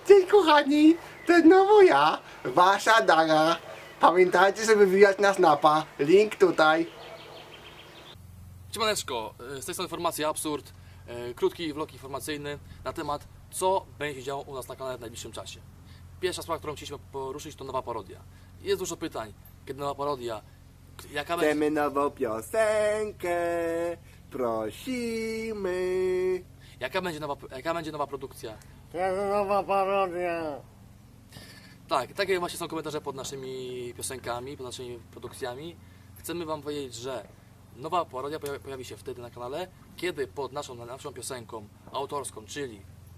Cześć kochani, to znowu ja, wasza Dara. Pamiętajcie, żeby wbijać na Snapa, link tutaj. Siemaneczko, z tej strony Formacja Absurd, krótki vlog informacyjny na temat, co będzie się działo u nas na kanale w najbliższym czasie. Pierwsza sprawa, którą chcieliśmy poruszyć, to nowa parodia. Jest dużo pytań, kiedy nowa parodia, jaka będzie... Chcemy nową piosenkę, prosimy. Jaka będzie nowa produkcja? To jest nowa parodia. Tak, takie właśnie są komentarze pod naszymi piosenkami, pod naszymi produkcjami. Chcemy Wam powiedzieć, że nowa parodia pojawi się wtedy na kanale, kiedy pod naszą piosenką autorską, czyli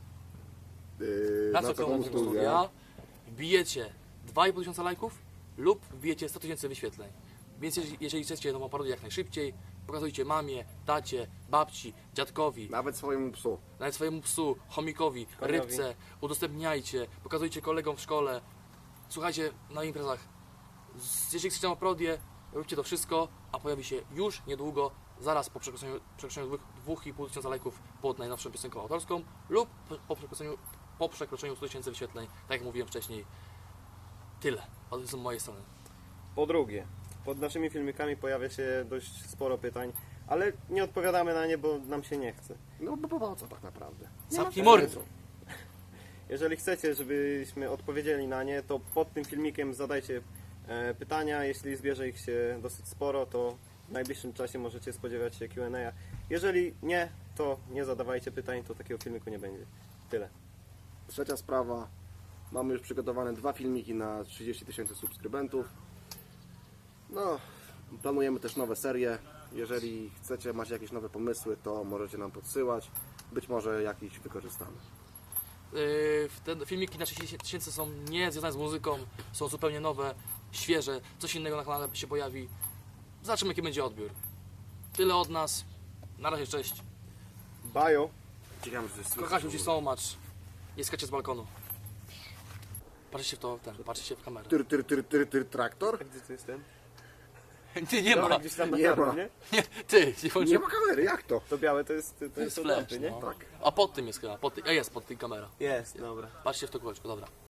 na co komu studia, wbijecie 2,5 tysiąca lajków lub wbijecie 100 tysięcy wyświetleń. Więc jeżeli chcecie nową parodię jak najszybciej, pokazujcie mamie, tacie, babci, dziadkowi, Nawet swojemu psu. nawet swojemu psu, chomikowi, rybce, udostępniajcie, pokazujcie kolegom w szkole, słuchajcie na imprezach. Jeżeli chcecie nową parodię, róbcie to wszystko, a pojawi się już niedługo, zaraz po przekroczeniu 2,5 tysiąca lajków pod najnowszą piosenką autorską lub po przekroczeniu 100 tysięcy wyświetleń, tak jak mówiłem wcześniej. Tyle z mojej strony. Po drugie, pod naszymi filmikami pojawia się dość sporo pytań, ale nie odpowiadamy na nie, bo nam się nie chce. No bo po co tak naprawdę? Zamknij mordę! Jeżeli chcecie, żebyśmy odpowiedzieli na nie, to pod tym filmikiem zadajcie pytania. Jeśli zbierze ich się dosyć sporo, to w najbliższym czasie możecie spodziewać się Q&A. Jeżeli nie, to nie zadawajcie pytań, to takiego filmiku nie będzie. Tyle. Trzecia sprawa. Mamy już przygotowane 2 filmiki na 30 tysięcy subskrybentów. No, planujemy też nowe serie. Jeżeli chcecie, macie jakieś nowe pomysły, to możecie nam podsyłać. Być może jakiś wykorzystamy. Te filmiki na 30 tysięcy są nie związane z muzyką, są zupełnie nowe, świeże, coś innego na kanale się pojawi. Zobaczymy, jaki będzie odbiór. Tyle od nas. Na razie, cześć. Bajo! Ciekawe, że to jest Kochasiu ci so much. Nie skacie z balkonu. Patrzcie się w to, patrzcie się w kamerę. Traktor? Gdzie to jest ten? Ty, nie ma. Dobra, gdzieś tam na Nie pewno, ma. nie? Nie, ty, nie włączy. Nie ma kamery, jak to? To białe to jest To jest od flash, lampy, nie? no. Tak. A pod tym jest chyba, jest pod tym kamera. Jest, dobra. Patrzcie w to kółeczko, dobra.